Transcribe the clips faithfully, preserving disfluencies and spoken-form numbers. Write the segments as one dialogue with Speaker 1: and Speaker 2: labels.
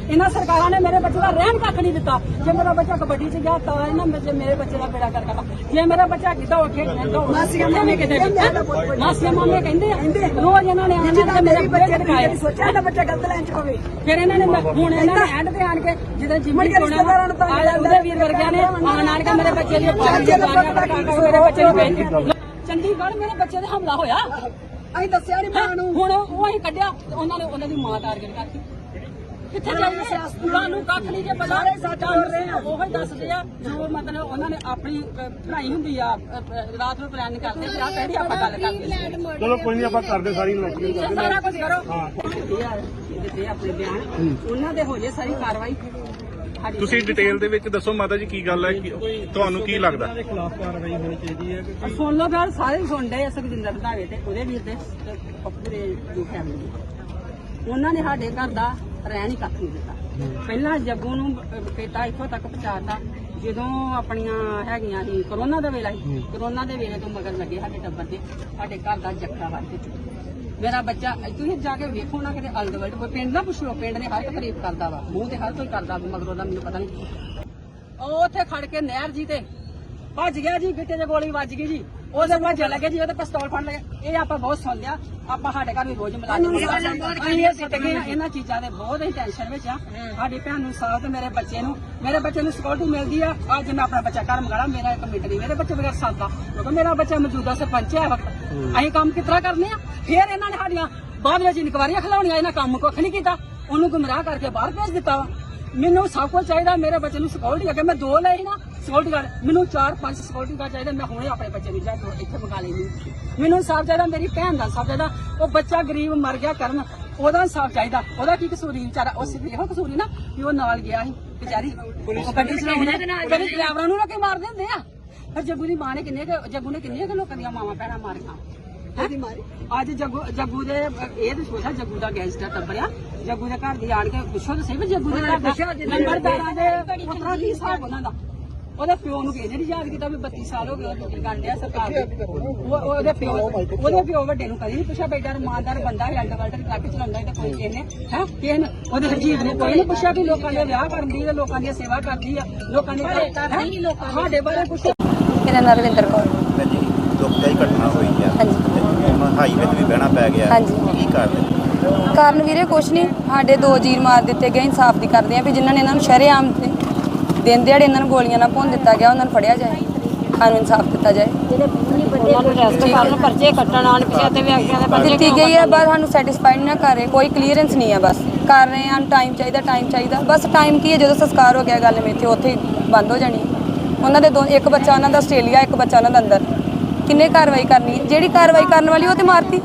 Speaker 1: इन्हां सरकारां ने मेरे बच्चे का रहन कख नहीं दिता। जे मेरा बच्चा कबड्डी च गया तो इन्हां मेरे बच्चे का बेड़ा कर करता। जे मेरा बच्चा किता उठे मासिया मामे कहते मासिया मामे कहते रोज इन्हां ने आना मेरे बच्चे दिखाए सोचा दा बच्चा गलत लाइन च होवे। फिर इन्हां ने हुण इन्हां ने एंड ते आन के जिदे जिम्मी कोना आया उदे वीर वर्गिया ने आन आन के मेरे बच्चे दी मेरे बच्चे नु भेज चंडीगढ़ मेरे बच्चे ते हमला होया ਅਸੀਂ ਦੱਸਿਆ ਨਹੀਂ ਮਾਂ ਨੂੰ ਹੁਣ ਉਹ ਅਸੀਂ ਕੱਢਿਆ ਉਹਨਾਂ ਨੇ ਉਹਨਾਂ ਦੀ ਮਾਂ ਟਾਰਗੇਟ ਕਰਤੀ ਕਿੱਥੇ ਜਾਈਏ ਤੁਹਾਨੂੰ ਕੱਖ ਨਹੀਂ ਜੇ ਪਤਾ ਸਾਡਾ ਉਹ ਹੀ ਦੱਸਦੇ ਆ ਜੋ ਮਤਲਬ ਉਹਨਾਂ ਨੇ ਆਪਣੀ ਪੜ੍ਹਾਈ ਹੁੰਦੀ ਆ ਰਾਤ ਨੂੰ ਪਲਾਨ ਕਰਦੇ ਆ ਪਹਿਲੀ ਆਪਾਂ ਗੱਲ ਕਰਦੇ
Speaker 2: ਚਲੋ ਕੋਈ ਨਹੀਂ ਆਪਾਂ ਕਰਦੇ ਸਾਰੀ ਇਨਵੈਸਟੀਗੇਸ਼ਨ
Speaker 1: ਸਾਰਾ ਕੁਝ ਕਰੋ ਹਾਂ ਦਿੱਤੇ ਆਪਣੇ ਬਿਆਨ ਉਹਨਾਂ ਦੇ ਹੋ ਜੇ ਸਾਰੀ ਕਾਰਵਾਈ।
Speaker 3: ਤੁਸੀਂ ਡਿਟੇਲ ਦੇ ਵਿੱਚ ਦੱਸੋ ਮਾਤਾ ਜੀ ਕੀ ਗੱਲ ਹੈ ਤੁਹਾਨੂੰ ਕੀ ਲੱਗਦਾ
Speaker 2: ਦੇ ਖਿਲਾਫ ਕਾਰਵਾਈ ਹੋਣੀ ਚਾਹੀਦੀ ਹੈ?
Speaker 1: ਸੁਣ ਲਓ ਗੱਲ ਸਾਰੇ ਸੁਣਦੇ ਆ ਸੁਖਜਿੰਦਰ ਰੰਧਾਵੇ ਤੇ ਉਹਦੇ ਵੀਰ ਦੇ ਪੂਰੇ ਜੋ ਫੈਮਿਲੀ ਉਹਨਾਂ ਨੇ ਸਾਡੇ ਘਰ ਦਾ ਰਹਿਣ ਹੀ ਕੱਖ ਨਹੀਂ ਦਿੱਤਾ। ਪਹਿਲਾਂ ਜੱਗੂ ਨੂੰ ਕੀਤਾ ਇੱਥੋਂ ਤੱਕ ਪਹੁੰਚਾਤਾ ਜਦੋਂ ਆਪਣੀਆਂ ਹੈਗੀਆਂ ਸੀ ਕਰੋਨਾ ਦਾ ਵੇਲਾ ਸੀ ਕਰੋਨਾ ਦੇ ਵੇਲੇ ਤੋਂ ਮਗਰ ਲੱਗੇ ਸਾਡੇ ਟੱਬਰ ਦੇ ਸਾਡੇ ਘਰ ਦਾ ਜੱਕਾ ਵੱਢ ਦਿੱਤਾ। ਮੇਰਾ ਬੱਚਾ ਤੁਸੀਂ ਜਾ ਕੇ ਵੇਖੋ ਨਾ ਕਿਤੇ ਅਲਦ ਵਰਡ ਪਿੰਡ ਨਾ ਪੁੱਛ ਲਓ ਪਿੰਡ ਨੇ ਹਰ ਇੱਕ ਤਾਰੀਫ ਕਰਦਾ ਵਾ ਮੂੰਹ ਤੇ ਹਰ ਕੋਈ ਕਰਦਾ ਮਗਰੋਂ ਦਾ ਮੈਨੂੰ ਪਤਾ ਨਹੀਂ। ਉਹ ਉੱਥੇ ਖੜ ਕੇ ਨਹਿਰ ਜੀ ਤੇ ਭੱਜ ਗਿਆ ਜੀ ਗਿੱਟੇ 'ਚ ਗੋਲੀ ਵੱਜ ਗਈ ਜੀ ਉਹਦੇ ਭੱਜ ਲੱਗੇ ਜੀ ਉਹਦੇ ਪਿਸਤੌਲ ਫੜ ਲਏ। ਇਹ ਆਪਾਂ ਬਹੁਤ ਸੁਣ ਲਿਆ ਆਪਾਂ ਸਾਡੇ ਘਰ ਵੀ ਰੋਜ਼ ਮਿਲਾ ਅਸੀਂ ਸਿੱਟ ਗਏ ਇਹਨਾਂ ਚੀਜ਼ਾਂ ਦੇ ਬਹੁਤ ਹੀ ਟੈਨਸ਼ਨ ਵਿੱਚ ਆ। ਸਾਡੀ ਭੈਣ ਨੂੰ ਸਾਹ ਤੇ ਮੇਰੇ ਬੱਚੇ ਨੂੰ ਮੇਰੇ ਬੱਚੇ ਨੂੰ ਸਿਕਿਉਰਿਟੀ ਮਿਲਦੀ ਆ। ਅੱਜ ਮੈਂ ਆਪਣਾ ਬੱਚਾ ਘਰ ਮੰਗਾਲਾ ਮੇਰਾ ਇੱਕ ਮਿੰਟ ਨਹੀਂ ਮੇਰੇ ਬੱਚੇ ਬਗੈਰ ਸਾਦਾ ਕਿਉਂਕਿ ਮੇਰਾ ਬੱਚਾ ਮੌਜੂਦਾ ਸਰਪੰਚ ਹੈ ਵਕਤ ਅਸੀਂ ਕੰਮ ਕਿਸ ਤਰ੍ਹਾਂ ਕਰਨੇ ਆ। ਫਿਰ ਇਹਨਾਂ ਨੇ ਸਾਡੀਆਂ ਬਾਅਦ ਵਿੱਚ ਇਨਕੁਆਰੀਆਂ ਖਿਲਾਉਣੀਆਂ ਇਹਨਾਂ ਕੰਮ ਕੁੱਖ ਨਹੀਂ ਕੀਤਾ ਉਹਨੂੰ ਗੁੰਮਰਾਹ ਕਰਕੇ ਬਾਹਰ ਭੇਜ ਦਿੱਤਾ ਵਾ। ਮੈਨੂੰ ਸਭ ਕੁਝ ਚਾਹੀਦਾ ਮੇਰੇ ਬੱਚੇ ਨੂੰ ਸਿਕਿਉਰਿਟੀ ਅੱਗੇ ਮੈਂ ਦੋ ਲਏ ਨਾ ਸਿਕਿਉਰਿਟੀ ਗਾਰਡ ਮੈਨੂੰ ਚਾਰ ਪੰਜ ਸਿਕਿਉਰਿਟੀ ਗਾਰਡ ਚਾਹੀਦਾ ਮੈਂ ਹੁਣੇ ਆਪਣੇ ਬੱਚੇ ਨੂੰ ਜਾ ਕੇ ਇੱਥੇ ਮੰਗਾ ਲੈਣੀ। ਮੈਨੂੰ ਸਾਫ ਚਾਹੀਦਾ ਮੇਰੀ ਭੈਣ ਦਾ ਸਾਫ ਚਾਹੀਦਾ ਉਹ ਬੱਚਾ ਗਰੀਬ ਮਰ ਗਿਆ ਕਰਨ ਉਹਦਾ ਸਾਫ ਚਾਹੀਦਾ ਉਹਦਾ ਕੀ ਕਸੂਰੀ ਵਿਚਾਰਾ ਉਸ ਇਹੋ ਕਸੂਰੀ ਨਾ ਵੀ ਉਹ ਨਾਲ ਗਿਆ ਸੀ ਵਿਚਾਰੀ ਉਹ ਗੱਡੀ ਚਲਾਉਣਾ ਦੇ ਨਾਲ ਜਿਹੜੇ ਡਰਾਈਵਰਾਂ ਨੂੰ ਨਾ ਕਿ ਮਾਰ ਦਿੰਦੇ ਆ। ਪਰ ਜੱਗੂ ਦੀ ਮਾਂ ਨੇ ਕਿੰਨੇ ਜੱਗੂ ਨੇ ਕਿੰਨੀਆਂ ਲੋਕਾਂ ਦੀਆਂ ਮਾਵਾਂ ਭੈਣਾਂ ਮਾਰੀਆਂ ਅੱਜ ਜੱਗੂ ਜੱਗੂ ਦੇ ਇਹ ਤਾਂ ਸੋਚਾ ਜੱਗੂ ਦਾ ਗੈਂਗਸਟਰ ਟੱਬਰਿਆ ਜੱਗੂ ਦੇ ਘਰ ਦੀ ਆਣ ਕੇ ਪੁੱਛੋ ਤਾਂ ਸਹੀ ਵੀ ਜੱਗੂ ਦੇ ਘਰ ਦਾ ਨੰਬਰਦਾਰਾਂ ਦੇ ਪੁੱਤਰਾਂ ਦੀ ਹਿਸਾਬ ਉਹਨਾਂ ਦਾ ਉਹਦੇ ਪਿਓ ਨੂੰ ਕਿਸੇ ਨੇ ਨਹੀਂ ਯਾਦ ਕੀਤਾ ਵੀ ਬੱਤੀ ਸਾਲ ਹੋ ਗਏ ਡਿਊਟੀ ਕਰਨ ਡਿਆ ਸਰਕਾਰ ਦੇ ਉਹਦੇ ਪਿਓ ਉਹਦੇ ਪਿਓ ਵੱਡੇ ਨੂੰ ਕਦੀ ਨਹੀਂ ਪੁੱਛਿਆ ਬੇਟਾ ਇਮਾਨਦਾਰ ਬੰਦਾ ਹੈ ਅੰਡਰਵਰਲਡ ਟਰੱਕ ਚਲਾਉਂਦਾ ਤੇ ਕੋਈ ਕਿਸੇ ਨੇ ਹੈ ਕਿਸੇ ਨੇ ਉਹਦੇ ਹਰਜੀਤ ਨੇ ਕੋਈ ਨਹੀਂ ਪੁੱਛਿਆ ਕਿ ਲੋਕਾਂ ਦੇ ਵਿਆਹ ਕਰਦੀ ਹੈ ਲੋਕਾਂ ਦੀ ਸੇਵਾ ਕਰਦੀ ਆ ਲੋਕਾਂ ਦੇ ਸਾਡੇ ਬਾਰੇ ਪੁੱਛਿਆ।
Speaker 4: ਮੇਰਾ ਨਾਮ ਰਵਿੰਦਰ ਕੌਰ
Speaker 5: ਜੀ ਦੁਖਦਾਈ ਘਟਨਾ ਹੋਈ ਹੈ
Speaker 4: ਹਾਂਜੀ
Speaker 5: ਹਾਈਵੇ ਤੇ ਵੀ ਬਹਿਣਾ ਪੈ ਗਿਆ
Speaker 4: ਹਾਂਜੀ
Speaker 5: ਕੀ ਕਾਰਨ
Speaker 4: ਕਾਰਨ ਵੀਰੇ ਕੁਛ ਨਹੀਂ ਸਾਡੇ ਦੋ ਜੀਰ ਮਾਰ ਦਿੱਤੇ ਗਏ ਇਨਸਾਫ ਦੀ ਕਰਦੇ ਆ ਵੀ ਜਿਨ੍ਹਾਂ ਨੇ ਇਹਨਾਂ ਨੂੰ ਸ਼ਰੇਆਮ ਤੇ ਦਿਨ ਦਿਹਾੜੇ ਇਹਨਾਂ ਨੂੰ ਗੋਲੀਆਂ ਨਾਲ ਭੁੰਨ ਦਿੱਤਾ ਗਿਆ ਉਹਨਾਂ ਨੂੰ ਫੜਿਆ ਜਾਏ ਸਾਨੂੰ ਇਨਸਾਫ ਦਿੱਤਾ ਜਾਏ।
Speaker 1: ਉਹਨਾਂ ਨੂੰ ਰੈਸਟ ਕਰਨ ਪਰਚੇ ਕੱਟਣ ਆਣ ਪਿਛੇ ਤੇ ਵਿਅਕਤੀਆਂ ਦੇ ਪਰਚੇ
Speaker 4: ਦਿੱਤੀ ਗਈ ਹੈ ਬਸ ਸਾਨੂੰ ਸੈਟੀਸਫਾਈਡ ਨਾ ਕਰ ਰਹੇ ਕੋਈ ਕਲੀਅਰੈਂਸ ਨਹੀਂ ਹੈ ਬਸ ਕਰ ਰਹੇ ਹਾਂ ਟਾਈਮ ਚਾਹੀਦਾ ਟਾਈਮ ਚਾਹੀਦਾ ਬਸ ਟਾਈਮ ਕੀ ਹੈ ਜਦੋਂ ਸੰਸਕਾਰ ਹੋ ਗਿਆ ਗੱਲ ਮੇਥੇ ਉੱਥੇ ਹੀ ਬੰਦ ਹੋ ਜਾਣੀ। ਉਹਨਾਂ ਦੇ ਦੋ ਇੱਕ ਬੱਚਾ ਉਹਨਾਂ ਦਾ ਆਸਟ੍ਰੇਲੀਆ ਇੱਕ ਬੱਚਾ ਉਹਨਾਂ ਦਾ ਅੰਦਰ ਕਿੰਨੇ ਕਾਰਵਾਈ ਕਰਨੀ ਜਿਹੜੀ ਕਾਰਵਾਈ ਕਰਨ ਵਾਲੀ ਉਹ ਤੇ ਮਾਰਤੀ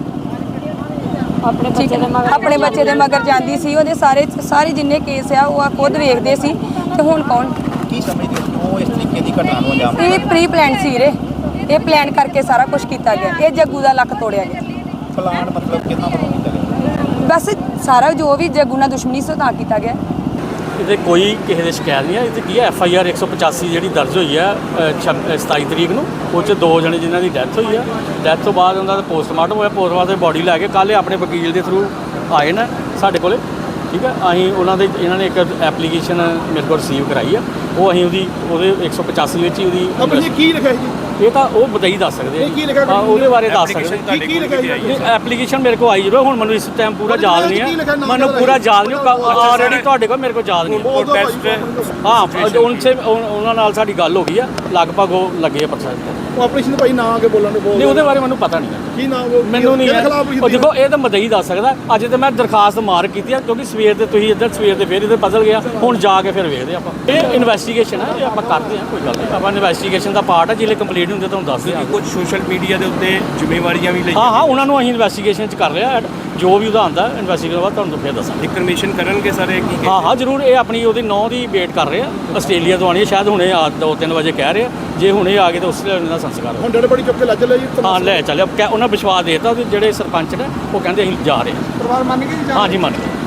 Speaker 1: ਆਪਣੇ ਬੱਚੇ ਦੇ ਮਗਰ
Speaker 4: ਆਪਣੇ ਬੱਚੇ ਦੇ ਮਗਰ ਜਾਂਦੀ ਸੀ ਉਹਦੇ ਸਾਰੇ ਸਾਰੇ ਜਿੰਨੇ ਕੇਸ ਆ ਉਹ ਖੁਦ ਵੇਖਦੇ ਸੀ ਤੇ ਹੁਣ ਕੌਣ
Speaker 5: ਕੀ ਸਮਝਦੇ ਕਿਉਂ ਇਸ ਤਰੀਕੇ ਦੀ ਘਟਨਾ ਨੂੰ ਅੰਜਾਮ
Speaker 4: ਇਹ ਪ੍ਰੀ ਪਲਾਨ ਸੀ ਰੇ ਇਹ ਪਲਾਨ ਕਰਕੇ ਸਾਰਾ ਕੁਝ ਕੀਤਾ ਗਿਆ ਇਹ ਜੱਗੂ ਦਾ ਲੱਕ ਤੋੜਿਆ ਗਿਆ
Speaker 5: ਪਲਾਨ ਮਤਲਬ ਕਿੰਨਾ ਵੱਲੋਂ ਕੀਤਾ ਗਿਆ
Speaker 4: ਬਸ ਸਾਰਾ ਜੋ ਵੀ ਜੱਗੂ ਨਾਲ ਦੁਸ਼ਮਣੀ ਸੀ ਤਾਂ ਕੀਤਾ ਗਿਆ।
Speaker 6: ਇਹਦੇ ਕੋਈ ਕਿਸੇ ਦੇ ਸ਼ਿਕਾਇਤ ਨਹੀਂ ਹੈ ਇਹ ਕੀ ਹੈ ਐਫ ਆਈ ਆਰ ਇੱਕ ਸੌ ਪਚਾਸੀ ਜਿਹੜੀ ਦਰਜ ਹੋਈ ਹੈ ਸਤਾਈ ਤਰੀਕ ਨੂੰ ਉਹ 'ਚ ਦੋ ਜਣੇ ਜਿਨ੍ਹਾਂ ਦੀ ਡੈਥ ਹੋਈ ਹੈ ਡੈਥ ਤੋਂ ਬਾਅਦ ਉਹਨਾਂ ਦਾ ਪੋਸਟਮਾਰਟਮ ਹੋਇਆ ਪੋਸਟਮਾਰਟਮ ਦੀ ਬੋਡੀ ਲੈ ਕੇ ਕੱਲ੍ਹ ਆਪਣੇ ਵਕੀਲ ਦੇ ਥਰੂ ਆਏ ਨੇ ਸਾਡੇ ਕੋਲ ਠੀਕ ਹੈ ਅਸੀਂ ਉਹਨਾਂ ਦੇ ਇਹਨਾਂ ਨੇ ਇੱਕ ਐਪਲੀਕੇਸ਼ਨ ਮੇਰੇ ਕੋਲ ਰਿਸੀਵ ਕਰਾਈ ਆ ਉਹ ਅਸੀਂ ਉਹਦੀ ਉਹਦੇ ਇੱਕ ਸੌ ਪਚਾਸੀ ਵਿੱਚ ਹੀ ਉਹਦੀ
Speaker 2: ਕੀ ਲਿਖਿਆ ਜੀ
Speaker 6: ਇਹ ਤਾਂ ਉਹ ਬਤਾਈ ਦੱਸ ਸਕਦੇ ਆ ਉਹਦੇ ਬਾਰੇ ਦੱਸ ਸਕਦੇ
Speaker 2: ਕੀ ਲਿਖਿਆ ਜੀ
Speaker 6: ਐਪਲੀਕੇਸ਼ਨ ਮੇਰੇ ਕੋਲ ਆਈ ਜਦੋਂ ਹੁਣ ਮੈਨੂੰ ਇਸ ਟਾਈਮ ਪੂਰਾ ਯਾਦ ਨਹੀਂ ਹੈ ਮੈਨੂੰ ਪੂਰਾ ਯਾਦ ਨਹੀਂ ਆਲਰੇਡੀ ਤੁਹਾਡੇ ਕੋਲ ਮੇਰੇ ਕੋਲ ਯਾਦ ਨਹੀਂ ਹਾਂ ਉਹਨਾਂ ਨਾਲ ਸਾਡੀ ਗੱਲ ਹੋ ਗਈ ਆ ਲਗਭਗ ਉਹ ਲੱਗੇ ਆ ਪ੍ਰੋਸੈਸ
Speaker 2: ਉਹ ਆਪਰੇਸ਼ਨ ਭਾਈ ਨਾ ਅੱਗੇ ਬੋਲਣ ਨੂੰ ਬੋਲ
Speaker 6: ਨਹੀਂ ਉਹਦੇ ਬਾਰੇ ਮੈਨੂੰ ਪਤਾ ਨਹੀਂ
Speaker 2: ਕੀ ਨਾ
Speaker 6: ਮੈਨੂੰ ਨਹੀਂ ਉਹ ਦੇਖੋ ਇਹ ਤਾਂ ਮਦਈ ਦੱਸ ਸਕਦਾ ਅੱਜ ਤੇ ਮੈਂ ਦਰਖਾਸਤ ਮਾਰ ਕੀਤੀ ਆ ਕਿਉਂਕਿ ਸਵੇਰ ਦੇ ਤੁਸੀਂ ਇੱਧਰ ਸਵੇਰ ਦੇ ਫਿਰ ਇੱਧਰ ਬਦਲ ਗਿਆ ਹੁਣ ਜਾ ਕੇ ਫਿਰ ਵੇਖਦੇ ਆਪਾਂ ਇਹ ਇਨਵੈਸਟੀਗੇਸ਼ਨ ਹੈ ਇਹ ਆਪਾਂ ਕਰਦੇ ਹਾਂ ਕੋਈ ਗੱਲ ਨਹੀਂ ਆਪਾਂ ਇਨਵੈਸਟੀਗੇਸ਼ਨ ਦਾ ਪਾਰਟ ਹੈ ਜਿਹੜੇ ਕੰਪਲੀਟ ਹੁੰਦੇ ਤੁਹਾਨੂੰ ਦੱਸ ਦਿਆਂਗੇ
Speaker 3: ਕੁਝ ਸੋਸ਼ਲ ਮੀਡੀਆ ਦੇ ਉੱਤੇ ਜ਼ਿੰਮੇਵਾਰੀਆਂ ਵੀ ਲਈ
Speaker 6: ਹਾਂ ਹਾਂ ਉਹਨਾਂ ਨੂੰ ਅਸੀਂ ਇਨਵੈਸਟੀਗੇਸ਼ਨ 'ਚ ਕਰ ਰਿਹਾ ਜੋ ਵੀ ਉਹਦਾ ਆਉਂਦਾ ਇਨਵੈਸਟੀਗੇਸ਼ਨ ਬਾਅਦ ਤੁਹਾਨੂੰ ਫਿਰ ਦੱਸਾਂਗੇ
Speaker 3: ਇਨਫੋਰਮੇਸ਼ਨ ਕਰਨਗੇ ਸਾਰੇ ਕੀ
Speaker 6: ਹਾਂ ਹਾਂ ਜ਼ਰੂਰ ਇਹ ਆਪਣੀ ਉਹਦੀ ਨੌ ਦੀ ਵੇਟ ਕਰ ਰਹੇ ਆ ਆਸਟ੍ਰੇਲੀਆ ਤੋਂ ਆਉਣੀ ਹੈ ਸ਼ਾਇਦ ਹੁਣੇ ਆ ਦੋ ਤਿੰਨ ਵਜੇ ਕਹਿ ਰਹੇ ਆ ਜੇ ਹੁਣੇ ਆ ਗਏ ਤਾਂ ਉਸ ਦਾ ਸੰਸਕਾਰ
Speaker 2: ਹੁਣ ਡੇਢ ਬੜੀ ਚੁੱਕ ਕੇ ਲੈ ਚੱਲੇ ਜੀ
Speaker 6: ਹਾਂ ਲੈ ਚੱਲਿਆ ਉਹਨਾਂ ਵਿਸ਼ਵਾਸ ਦੇਤਾ ਜਿਹੜੇ ਸਰਪੰਚ ਨੇ ਉਹ ਕਹਿੰਦੇ ਅਸੀਂ ਜਾ ਰਹੇ ਹਾਂ
Speaker 2: ਪਰਿਵਾਰ ਮੰਨ ਗਏ ਜੀ
Speaker 6: ਹਾਂ ਜੀ ਮੰਨ ਗਏ।